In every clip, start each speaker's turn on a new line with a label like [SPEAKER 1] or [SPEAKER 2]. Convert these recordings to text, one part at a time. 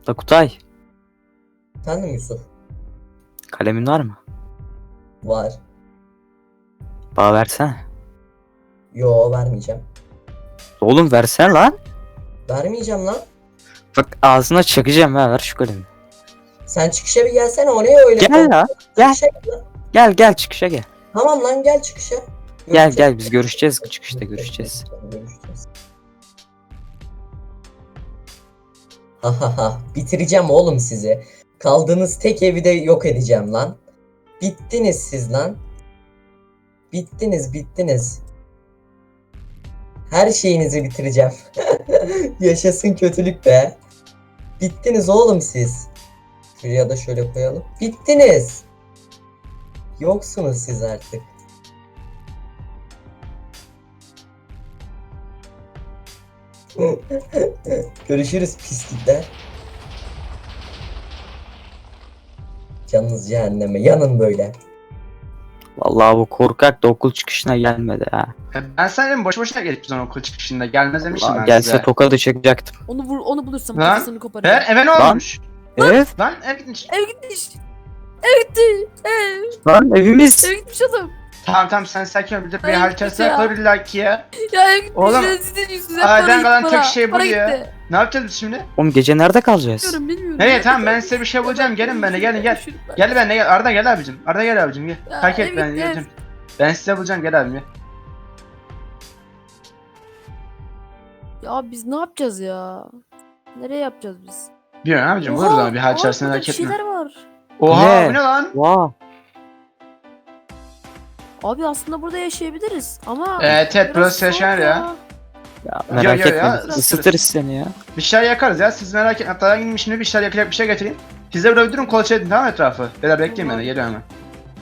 [SPEAKER 1] La Kutay,
[SPEAKER 2] Efendim Yusuf?
[SPEAKER 1] kalemin var mı?
[SPEAKER 2] Var.
[SPEAKER 1] Bana versene.
[SPEAKER 2] Yo, vermeyeceğim.
[SPEAKER 1] Oğlum versene lan.
[SPEAKER 2] Vermeyeceğim lan.
[SPEAKER 1] Bak ağzına çakacağım ha, ver şu kalemi.
[SPEAKER 2] Sen çıkışa bir gelsene, o ne öyle?
[SPEAKER 1] Gel la. Gel.
[SPEAKER 2] Çıkışa gel lan.
[SPEAKER 1] Gel çıkışa gel.
[SPEAKER 2] Tamam lan, gel çıkışa.
[SPEAKER 1] Gel biz görüşeceğiz, çıkışta görüşeceğiz.
[SPEAKER 2] Görüşeceğiz. Hahaha, bitireceğim oğlum sizi. Kaldığınız tek evi de yok edeceğim lan. Bittiniz siz lan. Bittiniz. Her şeyinizi bitireceğim. Yaşasın kötülük be. Bittiniz oğlum siz. Şuraya da şöyle koyalım. Bittiniz. Yoksunuz siz artık. Görüşürüz pislikler. Canınız cehenneme. Yanın böyle.
[SPEAKER 1] Vallahi bu korkak da okul çıkışına gelmedi ha.
[SPEAKER 3] Ben sana boş boşuna gelip biz okul çıkışında gelmez demiştim
[SPEAKER 1] Vallahi
[SPEAKER 3] ben
[SPEAKER 1] gelse
[SPEAKER 3] size.
[SPEAKER 1] tokadı çakacaktım.
[SPEAKER 4] Onu bulursam
[SPEAKER 3] Lan,
[SPEAKER 4] kafasını koparırım.
[SPEAKER 3] Eve ne
[SPEAKER 1] Lan.
[SPEAKER 3] olmuş?
[SPEAKER 1] Evet
[SPEAKER 3] Lan ev gitmiş.
[SPEAKER 4] Ev gitmiş. Ev gitti.
[SPEAKER 1] lan evimiz.
[SPEAKER 4] Ev gitmiş adam.
[SPEAKER 3] Tamam sen sakin ol. Bir de bir
[SPEAKER 4] Ay,
[SPEAKER 3] haritasına
[SPEAKER 4] ya.
[SPEAKER 3] koy illa ki ya.
[SPEAKER 4] Ya ev gitmiş.
[SPEAKER 3] Oğlum,
[SPEAKER 4] Ya, sizin yüzünüzden
[SPEAKER 3] aydan
[SPEAKER 4] para gitti
[SPEAKER 3] kalan tek
[SPEAKER 4] bana.
[SPEAKER 3] şey bu
[SPEAKER 4] Para
[SPEAKER 3] ya.
[SPEAKER 4] gitti.
[SPEAKER 3] Ne yapacağız biz şimdi?
[SPEAKER 1] Oğlum gece nerede kalacağız?
[SPEAKER 4] Bilmiyorum.
[SPEAKER 3] Nereye tamam ben size bir şey bulacağım. Gelin benimle gel. Gel benimle gel. Arda gel abicim. Arda gel abicim gel.
[SPEAKER 4] Ya,
[SPEAKER 3] Takip et
[SPEAKER 4] ev
[SPEAKER 3] beni
[SPEAKER 4] gitti,
[SPEAKER 3] geleceğim. Ben size bulacağım gel abim gel.
[SPEAKER 4] Ya biz ne yapacağız ya? Nereye yapacağız biz?
[SPEAKER 3] Bilmiyorum abicim buluruz ama bir hal içerisinde
[SPEAKER 4] burada
[SPEAKER 3] merak
[SPEAKER 4] bir
[SPEAKER 3] etme.
[SPEAKER 4] şeyler var.
[SPEAKER 3] Oha
[SPEAKER 1] Ne?
[SPEAKER 3] bu ne lan?
[SPEAKER 1] Vaa.
[SPEAKER 4] Abi aslında burada yaşayabiliriz ama
[SPEAKER 3] Evet
[SPEAKER 4] biraz
[SPEAKER 3] burası yaşanır
[SPEAKER 4] soğuk
[SPEAKER 3] ya.
[SPEAKER 1] Ya merak
[SPEAKER 3] Yo,
[SPEAKER 1] etme.
[SPEAKER 3] ya,
[SPEAKER 1] Isıtırız seni ya.
[SPEAKER 3] Bir şeyler yakarız ya siz merak etmeyin. Hatta ben şimdi bir şeyler yakacak bir şey getireyim. Siz de burada durun kolaçe edin tamam mı etrafı? Beyler bekleyin beni geliyorum hemen.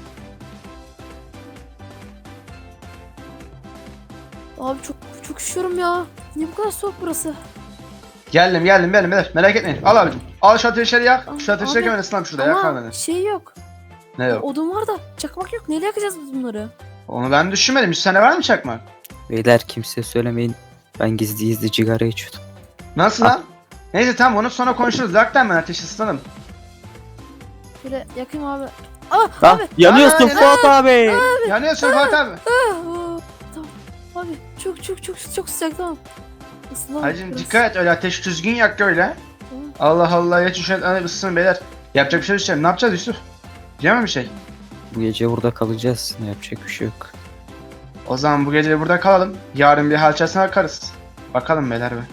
[SPEAKER 4] abi çok üşüyorum ya. Niye bu kadar soğuk burası?
[SPEAKER 3] Geldim beyler merak etmeyin. Al abicim. Al şu ateşleri yak. Şu
[SPEAKER 4] Abi,
[SPEAKER 3] ateşleri yakın ısınalım şurada yakar
[SPEAKER 4] Ama
[SPEAKER 3] beni.
[SPEAKER 4] şey yok.
[SPEAKER 3] Ne yok?
[SPEAKER 4] Odun var da çakmak yok. Neyle yakacağız biz bunları?
[SPEAKER 3] Onu ben düşünmedim. 100 tane var mı çakmak?
[SPEAKER 1] Beyler kimseye söylemeyin. Ben gizli cigara içiyordum.
[SPEAKER 3] Nasıl lan? Neyse tamam onu sonra konuşuruz. Yaktan ben ateşi ısınalım.
[SPEAKER 4] Şöyle yakayım abi. Ah
[SPEAKER 1] Lan
[SPEAKER 4] abi.
[SPEAKER 1] yanıyorsun
[SPEAKER 3] Aa,
[SPEAKER 1] Fuat abi.
[SPEAKER 3] Yanıyorsun Fatih abi.
[SPEAKER 4] Tamam. Abi çok sıcak tamam. Isınalım.
[SPEAKER 3] Hacım
[SPEAKER 4] biraz.
[SPEAKER 3] dikkat et öyle ateş düzgün yak öyle.
[SPEAKER 4] Tamam.
[SPEAKER 3] Allah Allah ya şu an ısısın beyler. Yapacak bir şey düşelim. Ne yapacağız Yusuf? Diyemem bir şey.
[SPEAKER 1] Bu gece burada kalacağız. Ne yapacak bir şey yok.
[SPEAKER 3] O zaman bu gece burada kalalım. Yarın bir halçasına bakarız. Bakalım beyler be.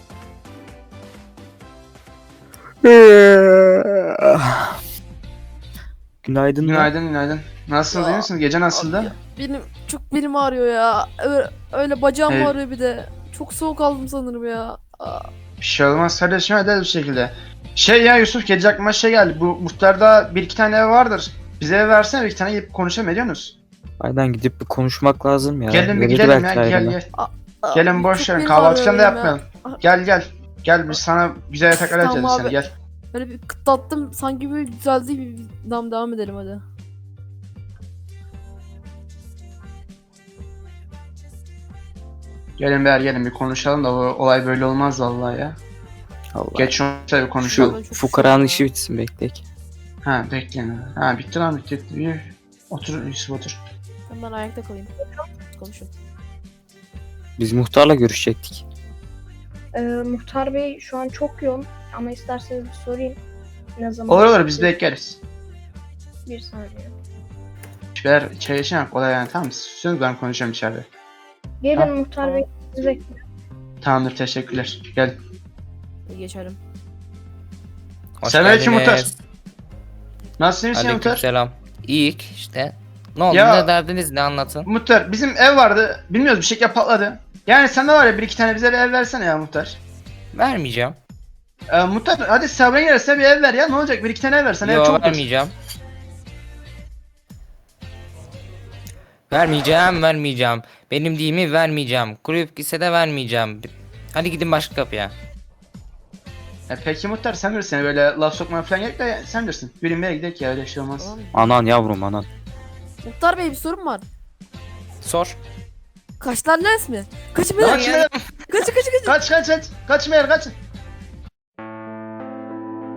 [SPEAKER 1] Günaydın.
[SPEAKER 3] Günaydın. Nasılsınız iyi
[SPEAKER 4] Ya,
[SPEAKER 3] misiniz? Gece nasıldı?
[SPEAKER 4] Abi ya, benim ağrıyor ya. Öyle bacağım
[SPEAKER 3] Evet.
[SPEAKER 4] ağrıyor bir de. Çok soğuk aldım sanırım ya.
[SPEAKER 3] Bir şey olmaz kardeşim ederiz bir şekilde. Şey ya Yusuf gece aklıma şey geldi. Bu muhtarda bir iki tane ev vardır. Bize ev versene bir iki tane gidip konuşalım ediyor musunuz?
[SPEAKER 1] Aynen gidip bir konuşmak lazım ya.
[SPEAKER 3] Gelin bir
[SPEAKER 1] Verir
[SPEAKER 3] gidelim
[SPEAKER 1] belki
[SPEAKER 3] ya gel
[SPEAKER 1] ayrılma.
[SPEAKER 3] gel.
[SPEAKER 4] Aa,
[SPEAKER 3] Gelin boş
[SPEAKER 4] çok
[SPEAKER 3] verin
[SPEAKER 4] benim
[SPEAKER 3] kahvaltı falan da
[SPEAKER 4] ağrıyor benim ya.
[SPEAKER 3] yapmayalım. Gel. Gel biz sana güzel yataklar
[SPEAKER 4] Tamam
[SPEAKER 3] edeceğiz
[SPEAKER 4] abi.
[SPEAKER 3] seni gel.
[SPEAKER 4] Böyle bir kıtlattım sanki böyle düzeldi. Devam edelim hadi.
[SPEAKER 3] Gelin beyler gelin bir konuşalım da bu olay böyle olmaz vallahi ya.
[SPEAKER 1] Allah.
[SPEAKER 3] Geç şunu bir konuşalım.
[SPEAKER 4] Ben
[SPEAKER 1] Şu
[SPEAKER 4] çok
[SPEAKER 1] fukaranın
[SPEAKER 4] üşüyorum
[SPEAKER 1] işi
[SPEAKER 4] ya.
[SPEAKER 1] bitsin bekleyek.
[SPEAKER 3] Ha bekleyin. Ha bitti lan bitti. Bir otur Yusuf otur.
[SPEAKER 4] Ben ayakta kalayım. Konuşun.
[SPEAKER 1] Biz muhtarla görüşecektik.
[SPEAKER 5] Muhtar Bey şu an çok yoğun ama isterseniz bir sorayım. Ne zaman?
[SPEAKER 3] Olur biz bekleriz.
[SPEAKER 5] Bir saniye.
[SPEAKER 3] Beyler çay içelim kolay yani tamam mı? Susuyorsunuz ben konuşacağım içeride.
[SPEAKER 5] Gelin
[SPEAKER 3] Ha?
[SPEAKER 5] Muhtar Bey sizi bekliyorum.
[SPEAKER 3] Tamamdır teşekkürler. Gel.
[SPEAKER 4] İyi geçelim.
[SPEAKER 6] Hoş
[SPEAKER 3] Selamünaleyküm
[SPEAKER 6] geldiniz.
[SPEAKER 3] muhtar. Nasılsın iyi misin muhtar?
[SPEAKER 6] Aleykümselam. İyiyik işte. Ne oldu
[SPEAKER 3] Ya-
[SPEAKER 6] ne derdiniz ne anlatın?
[SPEAKER 3] Muhtar bizim ev vardı. Bilmiyoruz bir şekilde patladı. Yani sende var ya bir iki tane bize bir ev versene ya muhtar.
[SPEAKER 6] Vermeyeceğim.
[SPEAKER 3] Muhtar hadi sabrın gelirse bir ev ver ya ne olacak bir iki tane ev versene ev
[SPEAKER 6] Yok
[SPEAKER 3] çok
[SPEAKER 6] vermeyeceğim. Vermeyeceğim. Benim deyimi vermeyeceğim. Kulüp gitse de vermeyeceğim. Hadi gidin başka kapıya.
[SPEAKER 3] Peki muhtar sen bilirsin yani böyle laf sokmaya falan gerek de sen bilirsin. Bilinmeye gidelim ya öyle şey olmaz.
[SPEAKER 4] Tamam.
[SPEAKER 1] Anan yavrum anan.
[SPEAKER 4] Muhtar Bey bir sorun var.
[SPEAKER 6] Sor.
[SPEAKER 4] Kaçlar lens mi? Kaçın
[SPEAKER 3] Kaç
[SPEAKER 4] beyler.
[SPEAKER 3] ya,
[SPEAKER 4] Kaçın.
[SPEAKER 3] kaç kaçmayalım kaç.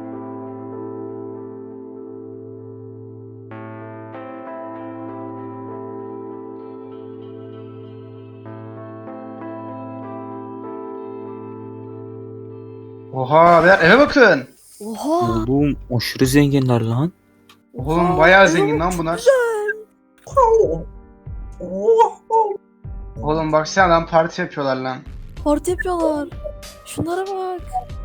[SPEAKER 3] Oha beyler eve bakın.
[SPEAKER 4] Oha.
[SPEAKER 1] Oğlum aşırı zenginler lan.
[SPEAKER 3] Oğlum
[SPEAKER 4] Oha,
[SPEAKER 3] bayağı
[SPEAKER 4] evet,
[SPEAKER 3] zengin lan
[SPEAKER 4] çok
[SPEAKER 3] bunlar.
[SPEAKER 4] güzel.
[SPEAKER 3] Oğlum baksana lan parti yapıyorlar lan.
[SPEAKER 4] Parti yapıyorlar. Şunlara bak.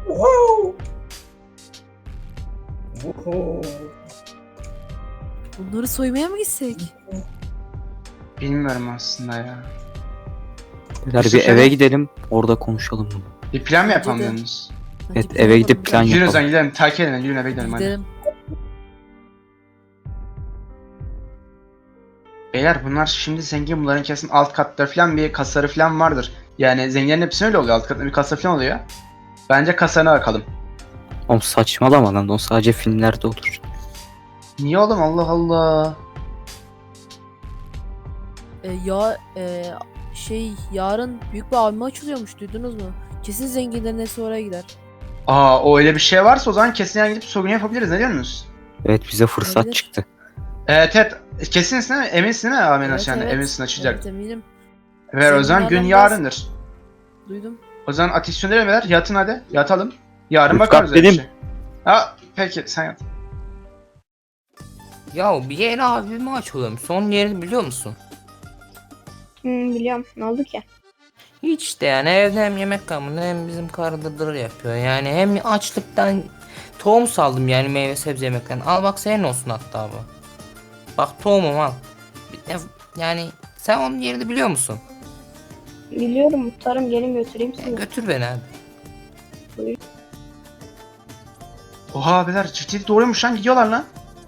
[SPEAKER 4] Bunları soymaya mı gitsek?
[SPEAKER 3] Bilmiyorum aslında ya.
[SPEAKER 1] Beyler bir
[SPEAKER 3] Yusuf
[SPEAKER 1] eve
[SPEAKER 3] eve-
[SPEAKER 1] gidelim orada konuşalım bunu.
[SPEAKER 3] Bir plan mı
[SPEAKER 4] Bence
[SPEAKER 3] yapalım
[SPEAKER 4] de.
[SPEAKER 3] diyorsunuz?
[SPEAKER 4] Bence
[SPEAKER 1] Evet,
[SPEAKER 4] plan
[SPEAKER 1] eve gidip
[SPEAKER 4] yapalım,
[SPEAKER 1] plan
[SPEAKER 4] bence.
[SPEAKER 3] Yürüyün o
[SPEAKER 1] yapalım.
[SPEAKER 3] zaman gidelim takip edin yürüyün eve gidelim hadi.
[SPEAKER 4] Gidelim.
[SPEAKER 3] Beyler bunlar şimdi zengin bunların kesin alt katları falan bir kasaları falan vardır. Yani zenginlerin hepsi öyle oluyor alt katta bir kasa falan oluyor. Bence kasana bakalım.
[SPEAKER 1] Oğlum saçmalama lan o sadece filmlerde olur.
[SPEAKER 3] Niye oğlum Allah Allah.
[SPEAKER 4] Yarın büyük bir AVM açılıyormuş, duydunuz mu? Kesin zenginlerin hepsi oraya gider.
[SPEAKER 3] Aa o öyle bir şey varsa o zaman kesin yani gidip soygun yapabiliriz ne diyorsunuz?
[SPEAKER 1] Evet bize fırsat
[SPEAKER 4] Olabilir.
[SPEAKER 1] çıktı.
[SPEAKER 3] Evet kesinsin değil mi? Eminsin değil mi Amin
[SPEAKER 4] Evet,
[SPEAKER 3] yani
[SPEAKER 4] evet.
[SPEAKER 3] eminsin açacak.
[SPEAKER 4] Evet, eminim.
[SPEAKER 3] Ve o zaman gün
[SPEAKER 4] Zenginlerden
[SPEAKER 3] yarındır.
[SPEAKER 4] Duydum.
[SPEAKER 3] O zaman ateş söndürelim beyler yatın hadi yatalım. Yarın
[SPEAKER 1] Rıfkat
[SPEAKER 3] bakarız öyle bir
[SPEAKER 1] benim.
[SPEAKER 3] şey. Ha peki sen yat.
[SPEAKER 6] Ya bir yeni abimi açıyorum. Son yerini biliyor musun?
[SPEAKER 5] Biliyorum. Ne oldu ki?
[SPEAKER 6] Hiç de yani evde hem yemek kalmadı hem bizim karı dırdır yapıyor. Yani hem açlıktan tohum saldım yani meyve sebze yemekten. Al bak senin olsun hatta bu. Bak tohumum al. Yani sen onun yerini biliyor musun?
[SPEAKER 5] Biliyorum muhtarım, gelin götüreyim sizi.
[SPEAKER 6] Götür beni hadi.
[SPEAKER 3] Oha beyler ciddi doğruymuş lan gidiyorlar lan.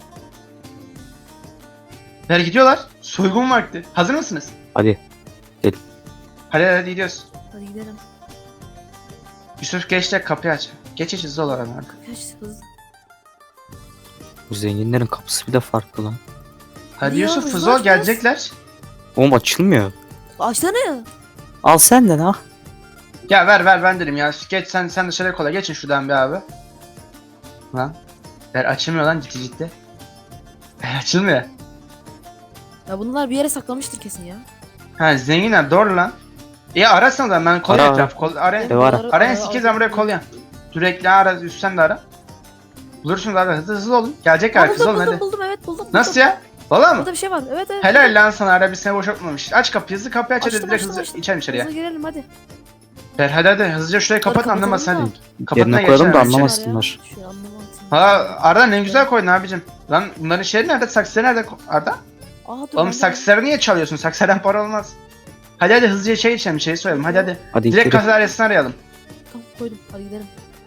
[SPEAKER 3] Beyler gidiyorlar. Soygun vakti. Hazır mısınız?
[SPEAKER 1] Hadi
[SPEAKER 3] Hadi gidiyoruz.
[SPEAKER 4] Hadi gidelim.
[SPEAKER 3] Yusuf geç de kapıyı aç. Geç hızlı ol aradan.
[SPEAKER 4] Kaç hızlı.
[SPEAKER 1] bu zenginlerin kapısı bir de farklı lan.
[SPEAKER 3] Hadi
[SPEAKER 4] Ya,
[SPEAKER 3] Yusuf
[SPEAKER 4] hızlı
[SPEAKER 3] hızlı ol
[SPEAKER 4] aç
[SPEAKER 3] gelecekler.
[SPEAKER 1] Oğlum açılmıyor.
[SPEAKER 4] Açsana ya.
[SPEAKER 1] Al sen de ha.
[SPEAKER 3] Ya ver ben dedim ya. Geç sen dışarıya kola. Geçin şuradan bir abi. Lan. Ver açılmıyor lan ciddi. Açılmıyor.
[SPEAKER 4] Ya bunlar bir yere saklamıştır kesin ya.
[SPEAKER 3] Ha zenginler doğru lan. İyi arasana da ben kolye
[SPEAKER 1] Ara,
[SPEAKER 3] etraf. Arayın.
[SPEAKER 1] Ev ara.
[SPEAKER 3] Arayın 8 ben buraya kolye. Sürekli ara üstten de ara. Bulursunuz abi hızlı olun. Gelecekler hızlı olun hadi.
[SPEAKER 4] Buldum evet buldum.
[SPEAKER 3] Nasıl ya? Valla mı?
[SPEAKER 4] Burada bir şey var. Evet.
[SPEAKER 3] Helal lan sana ara bir sene boş yapmamış. Aç kapıyı hızlı kapıyı aç hadi
[SPEAKER 4] Açtım,
[SPEAKER 3] direkt
[SPEAKER 4] açtım.
[SPEAKER 3] hızlı içelim içeriye.
[SPEAKER 4] Hızlı girelim hadi.
[SPEAKER 3] Ver hadi hızlıca şurayı kapat
[SPEAKER 4] Kapatalım
[SPEAKER 3] anlamasın
[SPEAKER 4] da.
[SPEAKER 3] hadi. Kapatına
[SPEAKER 1] Yerine koyalım da
[SPEAKER 3] geçelim.
[SPEAKER 1] anlamasınlar.
[SPEAKER 4] Şu anlamam.
[SPEAKER 3] Ha Arda ne güzel koydun abicim. Lan bunların şeyi nerede? Saksıları nerede Arda?
[SPEAKER 4] Aa, dur,
[SPEAKER 3] Oğlum
[SPEAKER 4] ben de-
[SPEAKER 3] saksıları niye çalıyorsun? Saksıdan para olmaz. Hadi hızlıca şey içelim şeyi soyalım hadi.
[SPEAKER 1] Hadi
[SPEAKER 3] Direkt
[SPEAKER 1] gidelim.
[SPEAKER 3] kasa dairesini arayalım.
[SPEAKER 4] Tamam koydum. Hadi gidelim.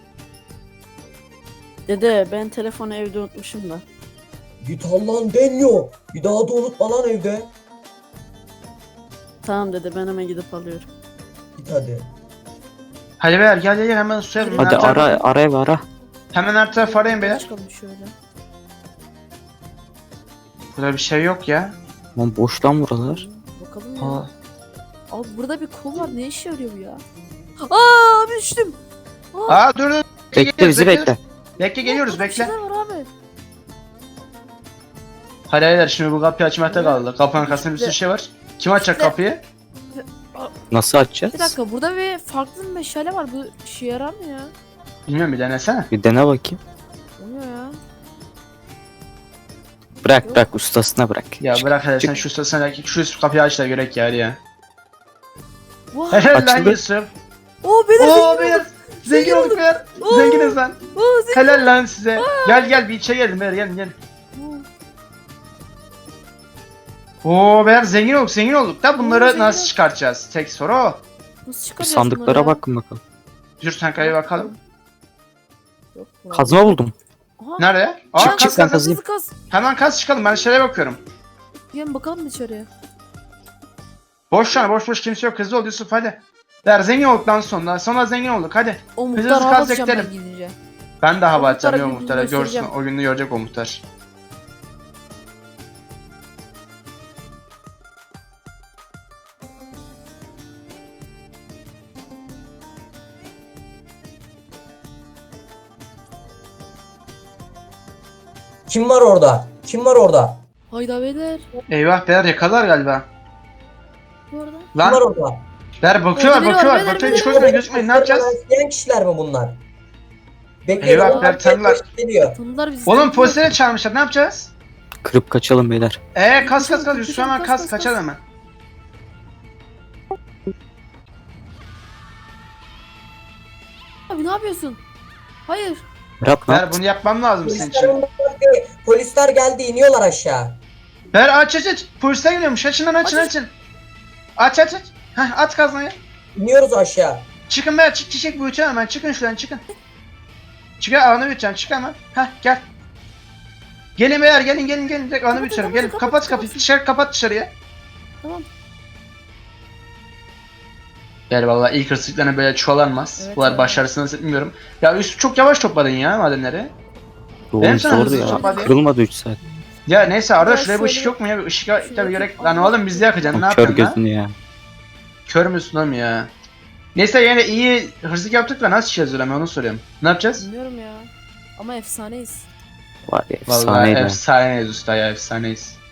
[SPEAKER 7] Dede ben telefonu evde unutmuşum da.
[SPEAKER 2] Git Allah'ın deniyor. Bir daha da unutma lan evde.
[SPEAKER 7] Tamam dede ben hemen gidip alıyorum.
[SPEAKER 2] Git hadi.
[SPEAKER 3] Hadi beyler gel hemen suya
[SPEAKER 4] Hadi
[SPEAKER 3] bin.
[SPEAKER 1] Hadi ara ev ara.
[SPEAKER 3] Hemen her tarafı arayın beyler.
[SPEAKER 4] Çıkalım şöyle.
[SPEAKER 3] Burada bir şey yok ya.
[SPEAKER 1] Lan boş lan buralar.
[SPEAKER 4] Bakalım ya.
[SPEAKER 3] Aa,
[SPEAKER 4] Abi burada bir kol var. Ne işe yarıyor bu ya? Aa abi düştüm.
[SPEAKER 3] dur.
[SPEAKER 1] Bekle bizi bekle.
[SPEAKER 3] Bekle geliyoruz
[SPEAKER 4] Burada bir
[SPEAKER 3] bekle.
[SPEAKER 4] şeyler var abi.
[SPEAKER 3] Hadi beyler şimdi bu kapıyı açmakta kaldı. Kapının arkasında bir sürü şey var. Kim açacak
[SPEAKER 4] İşte-
[SPEAKER 3] kapıyı?
[SPEAKER 1] Nasıl açacağız?
[SPEAKER 4] Bir dakika burada bir farklı bir meşale var. Bu işe yarar mı ya?
[SPEAKER 3] Bilmiyorum bir denesene.
[SPEAKER 1] Bir dene bakayım.
[SPEAKER 4] Olmuyor ya.
[SPEAKER 1] Bırak ustasına bırak.
[SPEAKER 3] Ya
[SPEAKER 1] Çık,
[SPEAKER 3] bırak hadi
[SPEAKER 1] çık.
[SPEAKER 3] sen şu sırasına şu kapıyı aç da görek ya hadi ya.
[SPEAKER 4] Vay.
[SPEAKER 3] Helal lan
[SPEAKER 1] Açıldı.
[SPEAKER 3] Yusuf.
[SPEAKER 4] Oo beyler
[SPEAKER 3] Oo
[SPEAKER 4] zengin
[SPEAKER 3] beyler.
[SPEAKER 4] olduk.
[SPEAKER 3] Zengin olduk beyler.
[SPEAKER 4] Oo.
[SPEAKER 3] Zenginiz lan.
[SPEAKER 4] Oo zengin.
[SPEAKER 3] Helal lan size. Gel bir içe gelin beyler gelin. Oo beyler zengin olduk da bunları
[SPEAKER 4] zengin
[SPEAKER 3] nasıl
[SPEAKER 4] olduk.
[SPEAKER 3] çıkartacağız? Tek soru o.
[SPEAKER 4] Nasıl
[SPEAKER 1] Bir
[SPEAKER 4] çıkaracağız
[SPEAKER 1] sandıklara
[SPEAKER 4] bunları ya?
[SPEAKER 1] bakın bakalım.
[SPEAKER 3] Dur sen kayı bakalım.
[SPEAKER 4] Yok, bu
[SPEAKER 1] Kazma buldum.
[SPEAKER 4] Aha.
[SPEAKER 3] Nerede? Aa
[SPEAKER 1] Çık,
[SPEAKER 3] kaz
[SPEAKER 1] çık,
[SPEAKER 3] kaz
[SPEAKER 1] ben
[SPEAKER 3] kaz.
[SPEAKER 1] kazayım.
[SPEAKER 4] Kaz.
[SPEAKER 3] Hemen kaz çıkalım ben şeye bakıyorum.
[SPEAKER 4] Gelin bakalım dışarıya.
[SPEAKER 3] Boş şu an boş kimse yok hızlı ol Yusuf hadi. Beyler zengin olduk lan sonunda. Sonra zengin olduk hadi.
[SPEAKER 4] O
[SPEAKER 3] Biz
[SPEAKER 4] muhtar
[SPEAKER 3] hızlı
[SPEAKER 4] hava
[SPEAKER 3] kazak
[SPEAKER 4] atacağım ben
[SPEAKER 3] gidelim.
[SPEAKER 4] gidince.
[SPEAKER 3] Ben de hava
[SPEAKER 4] O
[SPEAKER 3] atacağım
[SPEAKER 4] muhtara
[SPEAKER 3] ya
[SPEAKER 4] bir
[SPEAKER 3] muhtara görsün
[SPEAKER 4] göstereceğim.
[SPEAKER 3] o gününü görecek o muhtar.
[SPEAKER 2] Kim var orada? Kim var orada?
[SPEAKER 4] Hayda beyler.
[SPEAKER 3] Eyvah beyler yakalar galiba.
[SPEAKER 4] Bu arada.
[SPEAKER 2] Kim var
[SPEAKER 3] Lan
[SPEAKER 2] orada?
[SPEAKER 3] beyler bakıyorlar
[SPEAKER 4] Beyler,
[SPEAKER 3] bakıyorlar.
[SPEAKER 4] beyler,
[SPEAKER 3] Bakıyor
[SPEAKER 4] beyler.
[SPEAKER 3] hiç gözükmeyin gözükmeyin ne yapacağız?
[SPEAKER 2] İsteyen kişiler mi bunlar? Bekleyin.
[SPEAKER 3] Eyvah,
[SPEAKER 2] onlar
[SPEAKER 3] tanıdılar.
[SPEAKER 2] geliyor.
[SPEAKER 4] Tanıdılar bizi.
[SPEAKER 3] Oğlum
[SPEAKER 4] tanıdılar.
[SPEAKER 3] polislere çağırmışlar, ne yapacağız?
[SPEAKER 1] Kırıp kaçalım beyler.
[SPEAKER 3] Kas Yusuf hemen
[SPEAKER 4] Kas,
[SPEAKER 3] kas
[SPEAKER 4] kas,
[SPEAKER 3] kaçalım
[SPEAKER 4] kas.
[SPEAKER 3] hemen.
[SPEAKER 4] Abi ne yapıyorsun? Hayır.
[SPEAKER 1] Berat ne
[SPEAKER 3] Ver
[SPEAKER 1] yaptın?
[SPEAKER 3] bunu yapmam lazım senin
[SPEAKER 2] Polisler,
[SPEAKER 3] için.
[SPEAKER 2] onlar geldi. Polisler geldi, iniyorlar aşağı.
[SPEAKER 3] Ver aç. Polisler geliyormuş, açın lan açın
[SPEAKER 4] Aç.
[SPEAKER 3] açın. Aç. Heh, at kazmayı.
[SPEAKER 2] İniyoruz aşağı.
[SPEAKER 3] Çıkın be, çık büyüteceğim hemen, çıkın şuradan çıkın. Çıkın alanı büyüteceğim, çık hemen. Heh, gel. Gelin beyler, gelin direkt alanı büyüteceğim, gelin. Kapat kapıyı, dışarı kapat dışarıya.
[SPEAKER 4] Tamam.
[SPEAKER 3] Gel vallahi ilk hırsızlıklarına böyle çoğalanmaz.
[SPEAKER 4] Evet
[SPEAKER 3] Bunlar
[SPEAKER 4] ya.
[SPEAKER 3] başarısını nasıl bilmiyorum. Ya Yusuf çok yavaş topladın ya madenleri. Benim
[SPEAKER 1] Oğlum
[SPEAKER 3] sana
[SPEAKER 1] zordu
[SPEAKER 3] hızlı
[SPEAKER 1] ya.
[SPEAKER 3] topladı.
[SPEAKER 1] Kırılmadı 3 saat.
[SPEAKER 3] Ya neyse Arda
[SPEAKER 4] Ya
[SPEAKER 3] şuraya bu ışık
[SPEAKER 4] şöyle-
[SPEAKER 3] yok mu ya? Bir ışık
[SPEAKER 4] şöyle
[SPEAKER 3] tabii gerek.
[SPEAKER 4] yapayım.
[SPEAKER 3] Lan oğlum biz de yakacaksın, ne
[SPEAKER 1] Kör
[SPEAKER 3] yapacaksın lan?
[SPEAKER 1] gözünü ya.
[SPEAKER 3] Kör müsün oğlum ya? Neyse yine iyi hırsızlık yaptık da nasıl çıkacağız öyle, onu soruyorum. Ne yapacağız?
[SPEAKER 4] Bilmiyorum ya. Ama efsaneyiz.
[SPEAKER 1] Var ya
[SPEAKER 3] Vallahi
[SPEAKER 1] efsaneydi.
[SPEAKER 3] efsaneyiz usta ya, efsaneyiz.